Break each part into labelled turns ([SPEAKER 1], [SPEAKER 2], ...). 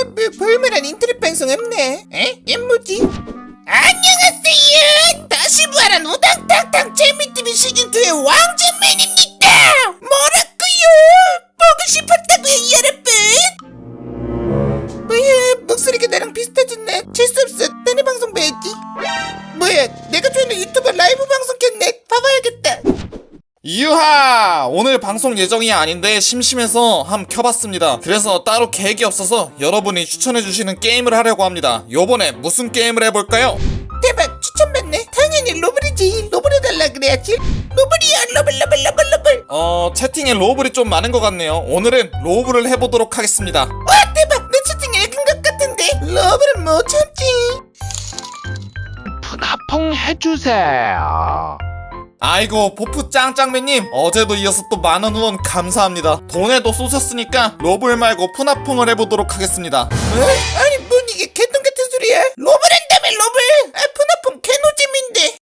[SPEAKER 1] 볼만한 인터넷 방송 없네. 에? 얘 뭐지? 안녕하세요. 다시 부활한 우당탕탕 재미TV 시즌2의 왕진맨입니다. 뭐라고요? 보고 싶었다고요, 여러분? 뭐야, 목소리가 나랑 비슷해졌네. 재수없어. 딴애 방송 봐야지. 뭐야, 내가 좋아하는 유튜버 라이브 방송 켰네. 봐봐야겠다.
[SPEAKER 2] 유하! 오늘 방송 예정이 아닌데 심심해서 한번 켜봤습니다. 그래서 따로 계획이 없어서 여러분이 추천해주시는 게임을 하려고 합니다. 요번에 무슨 게임을 해볼까요?
[SPEAKER 1] 대박, 추천받네. 당연히 로블이지. 로블 해달라 그래야지. 로블이야, 로블.
[SPEAKER 2] 채팅에 로블이 좀 많은 것 같네요. 오늘은 로블을 해보도록 하겠습니다.
[SPEAKER 1] 와, 대박. 내 채팅에 읽은 것 같은데. 로블은 못 참지.
[SPEAKER 3] 푸나퐁 해주세요.
[SPEAKER 2] 아이고, 보프 짱짱맨님, 어제도 이어서 또 만원 후원 감사합니다. 돈에도 쏘셨으니까 로블 말고 푸나퐁을 해보도록 하겠습니다.
[SPEAKER 1] 아니, 뭔 이게 개똥 같은 소리야. 로블 한다며, 로블. 푸나퐁 개노잼인데.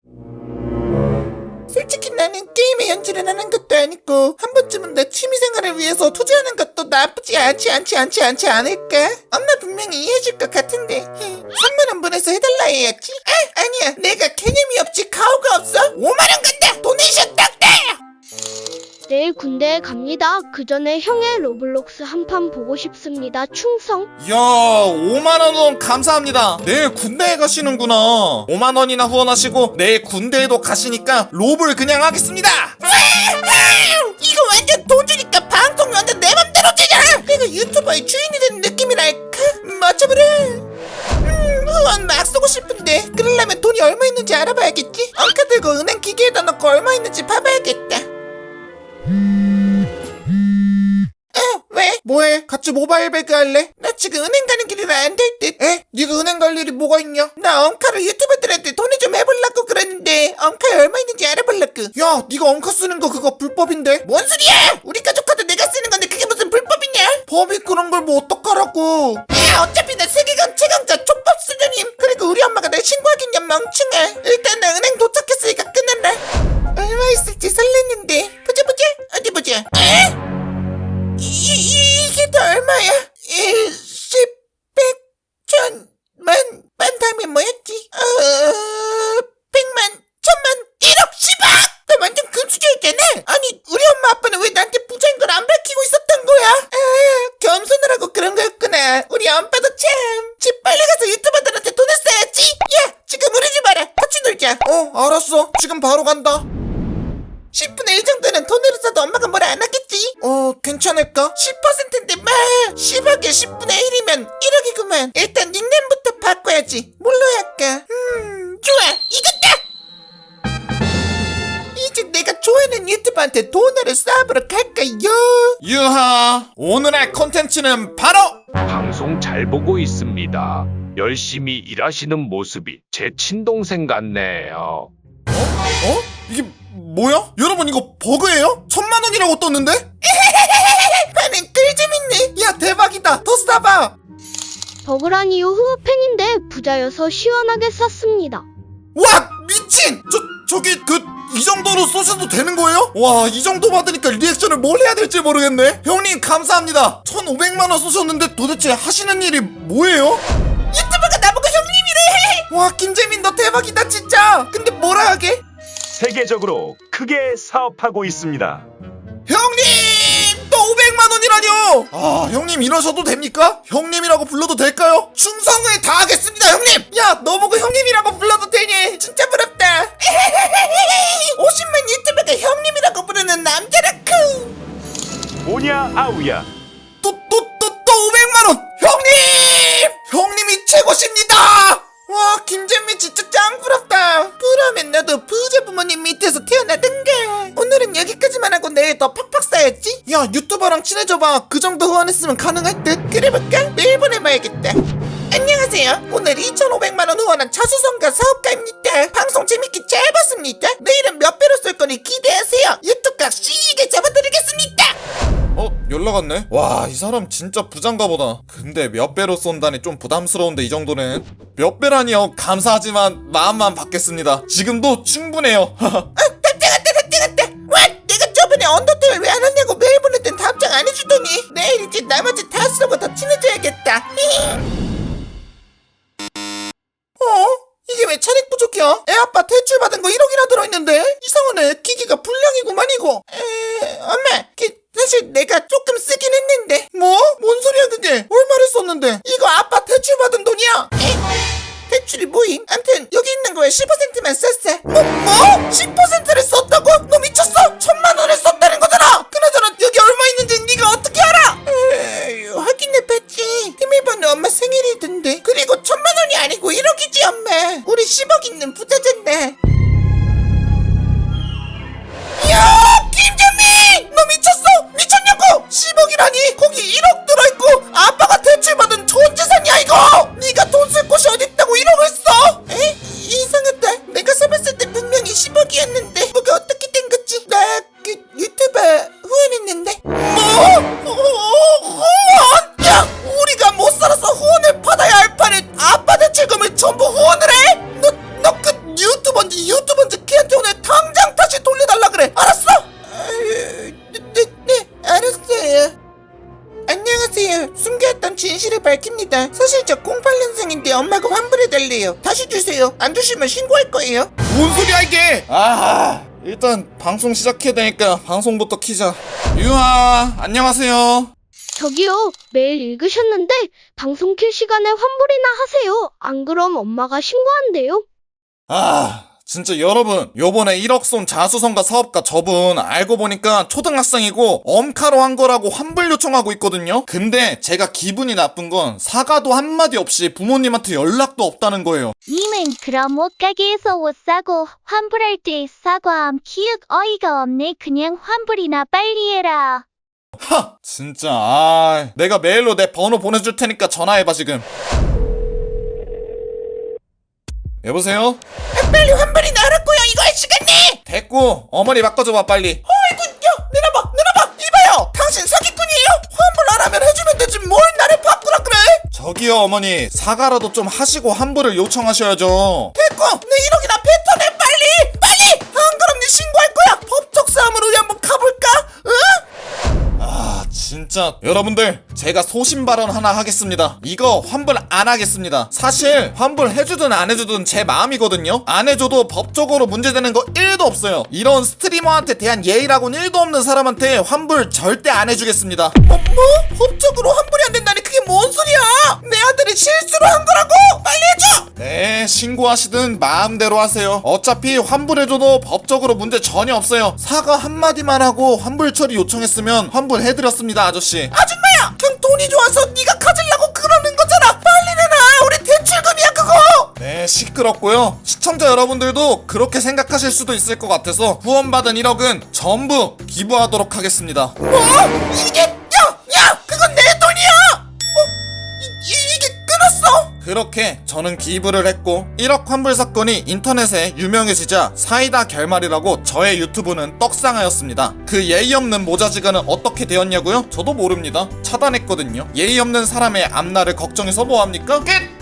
[SPEAKER 1] 솔직히 나는 게임에 연주를 하는 것도 아니고 한 번쯤은 내 취미생활을 위해서 투자하는 것도 나쁘지 않지 않을까? 엄마 분명히 이해해줄 것 같은데 3만원 보내서 해달라 해야지. 아니야, 내가 개념이 없지 가오가 없어. 5만원 간다. 도네이션 딱다.
[SPEAKER 4] 내일 군대에 갑니다. 그 전에 형의 로블록스 한 판 보고 싶습니다. 충성.
[SPEAKER 2] 이야, 5만원 후원 감사합니다. 내일 군대에 가시는구나. 5만원이나 후원하시고 내일 군대에도 가시니까 로블 그냥 하겠습니다.
[SPEAKER 1] 이거 완전 돈 주니까 방송 완전 내 맘대로 되잖아. 내가 유튜버의 주인이 되는 느낌이랄까? 맞춰보라. 후원 막 쏘고 싶은데 그러려면 돈이 얼마 있는지 알아봐야겠지. 엉카 들고 은행 기계에다 넣고 얼마 있는지 봐봐야겠다. 왜? 뭐해? 같이 모바일 배그 할래? 나 지금 은행 가는 길이라 안 될 듯. 에? 네가 은행 갈 일이 뭐가 있냐? 나 엉카를 유튜버들한테 돈을 좀 해보려고 그랬는데 엉카에 얼마 있는지 알아보려고. 야, 네가 엉카 쓰는 거 그거 불법인데? 뭔 소리야? 우리 가족 카드 내가 쓰는 건데 그게 무슨 불법이냐? 법이 그런 걸 뭐 어떡하라고. 야, 어차피 나 세계관 최강자 족밥 수녀님. 그리고 우리 엄마가 날 신고하겠냐 멍청아. 일단 나 은행 도착했으니까 끊어라. 얼마 있을지 설렜는데. 보자. 어디 보자. 에? 이게 다 얼마야? 1, 10, 100, 1000, 만 다음에 뭐였지? 100만, 1000만, 1억, 10억! 나 완전 금수저였잖아. 아니, 우리 엄마 아빠는 왜 나한테 부자인 걸 안 밝히고 있었던 거야? 겸손을 하고 그런 거였구나. 우리 엄빠도 참. 집 빨리 가서 유튜버들한테 돈을 써야지. 야, 지금 우리 집 와라. 같이 놀자.
[SPEAKER 2] 알았어. 지금 바로 간다.
[SPEAKER 1] 10분의 1 정도는 돈으로 써도 엄마가 뭐라 안 하겠지?
[SPEAKER 2] 괜찮을까?
[SPEAKER 1] 10%인데 마 10억에 10분의 1이면 1억이구만. 일단 닉네임부터 바꿔야지. 뭘로 할까? 좋아, 이겼다. 이제 내가 좋아하는 유튜버한테 돈을 쏴보러 갈까요?
[SPEAKER 2] 유하, 오늘 할 컨텐츠는 바로
[SPEAKER 3] 방송 잘 보고 있습니다. 열심히 일하시는 모습이 제 친동생 같네요.
[SPEAKER 2] 이게 뭐야? 여러분, 이거 버그예요? 1000만원이라고 떴는데?
[SPEAKER 1] 반응 꿀잼있네.
[SPEAKER 2] 야, 대박이다. 더 쏴봐.
[SPEAKER 4] 버그라니요. 팬인데 부자여서 시원하게 쐈습니다.
[SPEAKER 2] 와, 미친! 저기 이 정도로 쏘셔도 되는 거예요? 와, 이 정도 받으니까 리액션을 뭘 해야 될지 모르겠네. 형님 감사합니다. 1500만원 쏘셨는데 도대체 하시는 일이 뭐예요?
[SPEAKER 1] 유튜버가 나보고 형님이래.
[SPEAKER 2] 와, 김재민 너 대박이다 진짜. 근데 뭐라 하게?
[SPEAKER 5] 세계적으로 크게 사업하고 있습니다.
[SPEAKER 2] 형님! 또 500만원이라뇨! 아, 형님 이러셔도 됩니까? 형님이라고 불러도 될까요? 충성을 다하겠습니다, 형님! 야, 너 보고 형님이라고 불러도 되니?
[SPEAKER 1] 진짜 부럽다. 50만 유튜버가 형님이라고 부르는 남자라쿠.
[SPEAKER 5] 오냐 아우야.
[SPEAKER 2] 또 500만원! 형님! 형님이 최고십니다! 와, 김재민 진짜 짱 부럽다.
[SPEAKER 1] 그러면 너도 부자 부모님 밑에서 태어나든가. 오늘은 여기까지만 하고 내일 더 팍팍 쌓였지?
[SPEAKER 2] 야, 유튜버랑 친해져봐. 그 정도 후원했으면 가능할 듯.
[SPEAKER 1] 그래볼까? 매일 보내봐야겠다. 안녕하세요. 오늘 2,500만원 후원한 차수성가 사업가입니다. 방송 재밌게 잘 봤습니다. 내일은 몇 배로 쏠 거니 기대하세요. 유튜브각 시게 잡아드리겠습니다.
[SPEAKER 2] 연락 왔네? 와, 이 사람 진짜 부장가 보다. 근데 몇 배로 쏜다니 좀 부담스러운데 이 정도는. 몇 배라니요? 감사하지만 마음만 받겠습니다. 지금도 충분해요.
[SPEAKER 1] 답장한다. 와, 내가 저번에 언더테일 왜 안 왔냐고 메일 보낼 땐 답장 안 해주더니 내일 이제 나머지 다 쓰고 더 친해져야겠다. 보니까 불량이구만 이거. 엄마, 사실 내가 조금 쓰긴 했는데.
[SPEAKER 2] 뭐? 뭔 소리야 그게? 얼마를 썼는데?
[SPEAKER 1] 이거 아빠 대출 받은 돈이야. 대출이 뭐임? 암튼 여기 있는 거에 15%만 썼어. 뭐? 10%를 썼다고? 너 미쳤어? 1,000만 원을 썼다는 거잖아. 그나저나 여기 얼마 있는지 네가 어떻게 알아? 확인해봤지. 비밀번호 엄마 생일이던데. 그리고 1,000만 원이 아니고 1억이지 엄마. 우리 10억 있는 부자잔데. 야, 김재민! 너 미쳤어? 미쳤냐고? 10억이라니? 거기 1억 들어있고 아빠가 대출받은 전 재산이야 이거! 네가 돈 쓸 곳이 어딨다고 1억을 써? 이상하다. 내가 써봤을 때 분명히 10억이었는데 뭐가 어떻게 된 거지? 나 유튜버 후원했는데. 뭐? 후원? 야, 우리가 못 살아서 후원을 받아야 할 판에 아빠 대출금을 전부 후원을 해? 너 그 유튜버인지 걔한테 오늘 당장 다시 돌려달라 그래. 알았어? 네, 알았어요. 안녕하세요. 숨겨왔던 진실을 밝힙니다. 사실 저 08년생인데 엄마가 환불해달래요. 다시 주세요. 안 주시면 신고할 거예요.
[SPEAKER 2] 뭔 소리야 이게? 일단 방송 시작해야 되니까 방송부터 키자. 유아, 안녕하세요.
[SPEAKER 4] 저기요, 메일 읽으셨는데 방송 킬 시간에 환불이나 하세요. 안 그럼 엄마가 신고한대요.
[SPEAKER 2] 진짜 여러분, 요번에 1억 쏜 자수성가 사업가 저분 알고 보니까 초등학생이고 엄카로 한 거라고 환불 요청하고 있거든요. 근데 제가 기분이 나쁜 건 사과도 한마디 없이 부모님한테 연락도 없다는 거예요.
[SPEAKER 6] 님은 그럼 옷가게에서 옷 사고 환불할 때 사과함. 키읔 어이가 없네. 그냥 환불이나 빨리 해라.
[SPEAKER 2] 진짜 내가 메일로 내 번호 보내줄 테니까 전화해봐 지금. 여보세요?
[SPEAKER 1] 빨리 환불이나 하라고요. 이거 할 시간이.
[SPEAKER 2] 됐고 어머니 바꿔줘봐 빨리.
[SPEAKER 1] 어이구, 야, 내놔봐. 이봐요. 당신 사기꾼이에요? 환불 안 하면 해주면 되지 뭘 나를 바꾸라 그래?
[SPEAKER 2] 저기요 어머니, 사과라도 좀 하시고 환불을 요청하셔야죠.
[SPEAKER 1] 됐고, 내 1억이나 뱉어내 빨리. 안 그럼 네 신고할 거야. 법적 싸움으로 우리 한번 가볼까? 응?
[SPEAKER 2] 진짜 여러분들, 제가 소신 발언 하나 하겠습니다. 이거 환불 안 하겠습니다. 사실 환불 해주든 안 해주든 제 마음이거든요. 안 해줘도 법적으로 문제되는 거 1도 없어요. 이런 스트리머한테 대한 예의라고는 1도 없는 사람한테 환불 절대 안 해주겠습니다.
[SPEAKER 1] 뭐? 법적으로 환불이 안 된다니 그게 뭔 소리야? 내 아들이 실수로 한 거라고! 빨리 해줘!
[SPEAKER 2] 네, 신고하시든 마음대로 하세요. 어차피 환불해줘도 법적으로 문제 전혀 없어요. 사과 한마디만 하고 환불 처리 요청했으면 환불해드렸습니다, 아저씨.
[SPEAKER 1] 아줌마야! 그냥 돈이 좋아서 네가 가질라고 그러는 거잖아! 빨리 내놔! 우리 대출금이야 그거!
[SPEAKER 2] 네, 시끄럽고요. 시청자 여러분들도 그렇게 생각하실 수도 있을 것 같아서 후원받은 1억은 전부 기부하도록 하겠습니다.
[SPEAKER 1] 뭐? 이게 야! 그건 내 돈이야! 이게 끊었어?
[SPEAKER 2] 그렇게 저는 기부를 했고 1억 환불 사건이 인터넷에 유명해지자 사이다 결말이라고 저의 유튜브는 떡상하였습니다. 그 예의 없는 모자지간은 어떻게 되었냐고요? 저도 모릅니다. 차단했거든요. 예의 없는 사람의 앞날을 걱정해서 뭐합니까? 끝!